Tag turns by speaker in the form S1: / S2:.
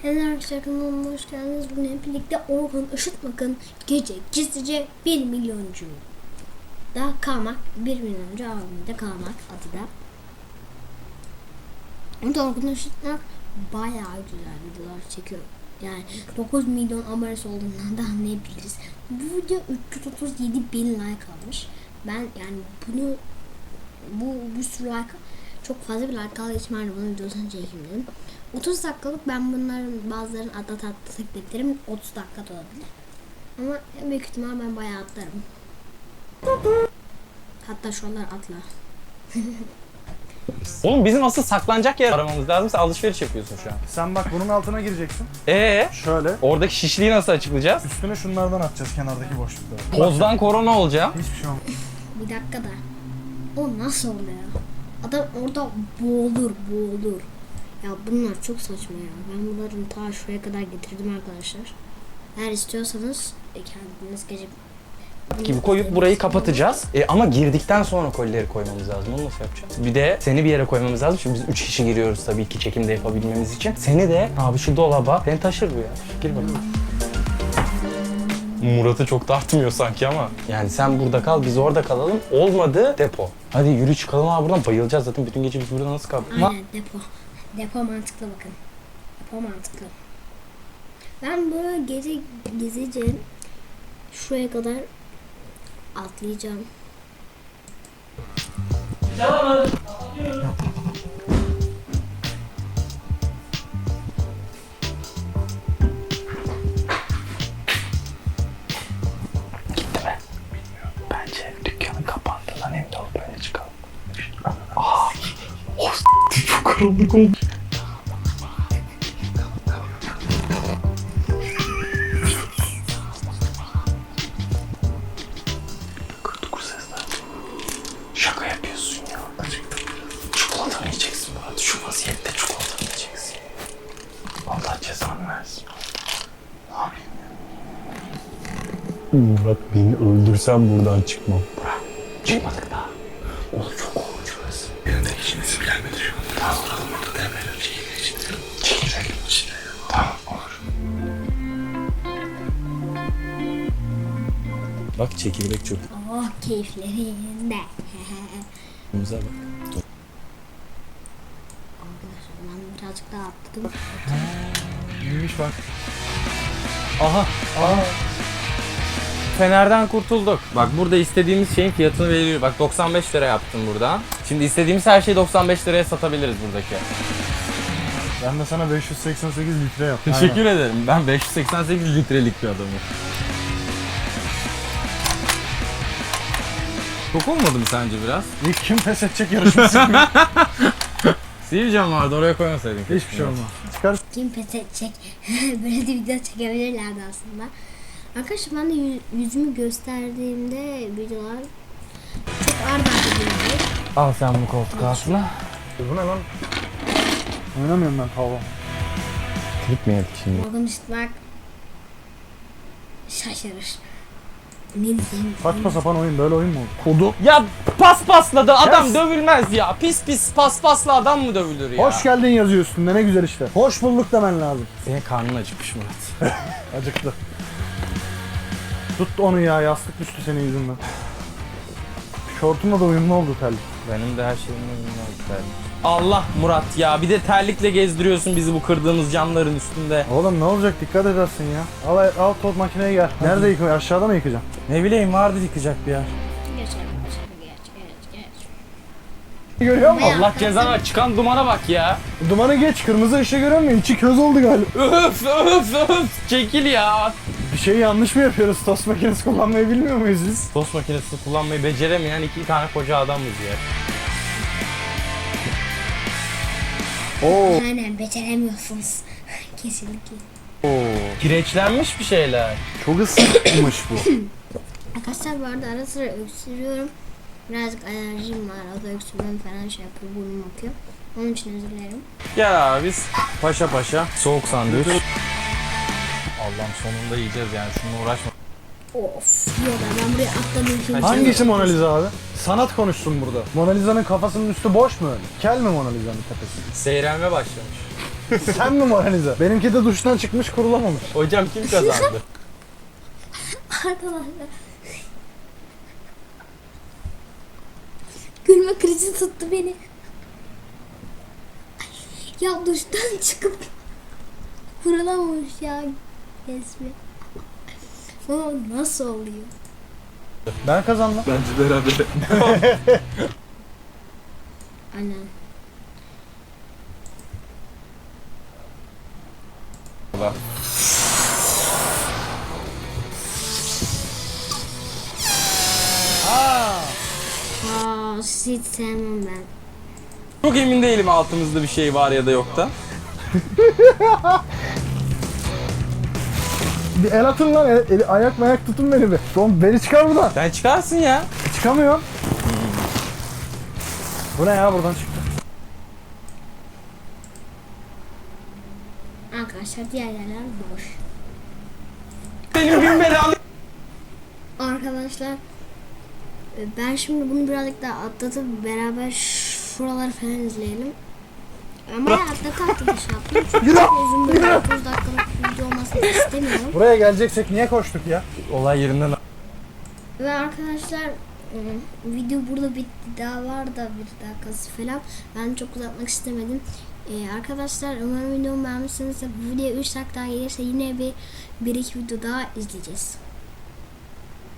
S1: Hello arkadaşlar, kanalıma hoş geldiniz. Bugün hep birlikte Orhun Işıtmak'ın gece gizlice 1 milyoncu da kalmak, 1 milyoncu avında kalmak adı da. Orada Orhun Işıtmak bayağı güzel videolar çekiyor. Yani 9 milyon abonesi olduğundan da anlayabiliriz. Bu video 337 bin like almış. Ben yani bunu bir sürü like, çok fazla bir like aldığı için ben de bunun videosunu çekeyim dedim. 30 dakikalık, ben bunların bazılarını atlatabilirim. 30 dakika da olabilir. Ama büyük ihtimal ben bayağı atlarım. Hatta şu anlar atla.
S2: Oğlum bizim asıl saklanacak yer aramamız lazım. Sen alışveriş yapıyorsun şu an.
S3: Sen bak bunun altına gireceksin. Şöyle.
S2: Oradaki şişliği nasıl açıklayacağız?
S3: Üstüne şunlardan atacağız, kenardaki boşlukları.
S2: Tozdan korona olacağım.
S3: Hiçbir şey olmaz.
S1: Bir dakika da. O nasıl oluyor? Adam orada boğulur. Ya bunlar çok saçma ya. Ben bunların ta şuraya kadar getirdim arkadaşlar. Eğer istiyorsanız kendiniz gece
S2: Gibi koyup burayı kapatacağız. Ama girdikten sonra kolileri koymamız lazım. Onu nasıl yapacağız? Bir de seni bir yere koymamız lazım. Şimdi biz 3 kişi giriyoruz tabii ki çekimde yapabilmemiz için. Seni de abi şu dolaba. Seni taşır bu ya. Gir bakalım. Murat'ı çok tartmıyor sanki ama. Yani sen burada kal, biz orada kalalım. Olmadı depo. Hadi yürü çıkalım abi buradan. Bayılacağız zaten. Bütün gece biz burada nasıl kaldık?
S1: aynen depo. Depo mantıklı bakın. Depo mantıklı. Ben böyle gece gizlice şuraya kadar atlayacağım.
S2: Bence dükkanın kapandı lan, evde olup böyle çıkalım. Çok karanlık oldu. Kırdık sesler. Şaka yapıyorsun ya. Çikolatanı yiyeceksin Murat. Şu vaziyette çikolatanı yiyeceksin. Allah cezanı versin. Ne yapayım ya? Murat, beni öldürsen buradan çıkmam. Bırak. Çıkmadık daha. Oğlum çok korkunç burası. Benim de işiniz gelmedi şu an. Tamam, oturalım orada demler çekirdek için. Çekirdek için. Tamam, olur. Bak çekirdek çok.
S1: Oh, keyifleri yerinde.
S2: Bize bak.
S1: Arkadaşlar ben birazcık daha atladım.
S3: İyiymiş bak.
S2: Aha. Fenerden kurtulduk. Bak burada istediğimiz şeyin fiyatını veriyor. Bak 95 lira yaptım burada. Şimdi istediğimiz her şeyi 95 liraya satabiliriz buradaki.
S3: Ben de sana 588 litre yaptım.
S2: Teşekkür ederim. Ben 588 litrelik bir adamım. Çok olmadı mı sence biraz?
S3: İlk kim pes edecek yarışması?
S2: Sivicam vardı, oraya koymasaydın.
S3: Hiçbir şey olmaz. Çıkar.
S1: Kim pes edecek? Böyle de video çekebilirlerdi aslında. Arkadaşlar ben de yüzümü gösterdiğimde videolar çok arda arda.
S2: Al sen bu koltuk altına.
S3: Bu ne lan? Oynamıyorum ben tavla.
S2: Klip mi yedik şimdi?
S1: Orhun Işıtmak şaşırır. Ne diyeyim?
S3: Saçma sapan oyun, böyle oyun mu olur? Kodu.
S2: Ya paspasladı adam,
S3: Yes.
S2: dövülmez ya. Pis pis paspasla adam mı dövülür ya?
S3: Hoş geldin yazıyor üstünde, ne güzel işte. Hoş bulduk demen lazım.
S2: Senin karnın acıkmış Murat.
S3: Acıktı. Tut onu ya, yastık düştü senin yüzünden. Şortumla da uyumlu oldu terlik.
S2: Benim de her şeyimle bilmez. Allah Murat ya, bir de terlikle gezdiriyorsun bizi bu kırdığımız camların üstünde.
S3: Oğlum ne olacak, dikkat edersin ya. Al toz makineye gel. Nerede yıkıyor? Aşağıda mı yıkacaksın?
S2: Ne bileyim, vardı yıkacak bir yer.
S1: Geç.
S3: Görüyor musun?
S2: Allah cezana, çıkan dumana bak ya.
S3: Dumanı geç, kırmızı ışığı görüyor musun? İçi köz oldu galiba.
S2: Öf çekil ya.
S3: Bir şey yanlış mı yapıyoruz? Tost makinesi kullanmayı bilmiyor muyuz biz?
S2: Tost makinesini kullanmayı beceremeyen iki tane koca adamız ya.
S3: Oo.
S1: Aynen, beceremiyorsunuz. Kesinlikle.
S2: Kireçlenmiş bir şeyler.
S3: Çok ısınmış bu.
S1: Arkadaşlar bu arada ara sıra öksürüyorum. Birazcık alerjim var. O da öksürmem falan şey yapıyor. Burnum akıyor. Onun için özür dilerim.
S2: Gel abi biz paşa soğuk sandviç. Allah'ım, sonunda yiyeceğiz yani, şununla uğraşma.
S1: Of. Yok ben buraya atladım. Şimdi
S3: Hangisi Mona Lisa abi? Sanat konuşsun burada. Mona Lisa'nın kafasının üstü boş mu öyle? Kel mi Mona Lisa'nın tepesi?
S2: Seyrelme başlamış.
S3: Sen mi moralize? Benimki de duştan çıkmış kurulamamış.
S2: Hocam kim kazandı?
S1: Arkadaşlar. Gülme krizi tuttu beni. Ya duştan çıkıp kurulamamış ya resmi. O nasıl oluyor?
S3: Ben kazandım.
S2: Bence beraber.
S1: Aynen. Aa, hiç sevmem ben.
S2: Çok emin değilim altımızda bir şey var ya da yok da.
S3: Bir el atın lan. Ayak mayak tutun beni bir. Oğlum beni çıkar buradan.
S2: Sen çıkarsın ya.
S3: Çıkamıyorum. Bu ne ya buradan çıktı.
S1: Arkadaşlar diğer yerler boş.
S2: Benim gün belalı.
S1: Arkadaşlar ben şimdi bunu birazcık daha atlatıp beraber şuraları falan izleyelim. Ama atlatıp şey yaptım. Çünkü
S3: Yürü!
S1: çok uzun böyle 30 dakikalık video olmasını istemiyorum.
S3: Buraya geleceksek niye koştuk ya?
S2: Olay yerinden.
S1: Ve arkadaşlar video burada bitti. Daha var da bir dakikası falan. Ben çok uzatmak istemedim. Arkadaşlar umarım videomu beğenmişsiniz. Bu videoya 3 dakika daha gelirse yine bir iki video daha izleyeceğiz.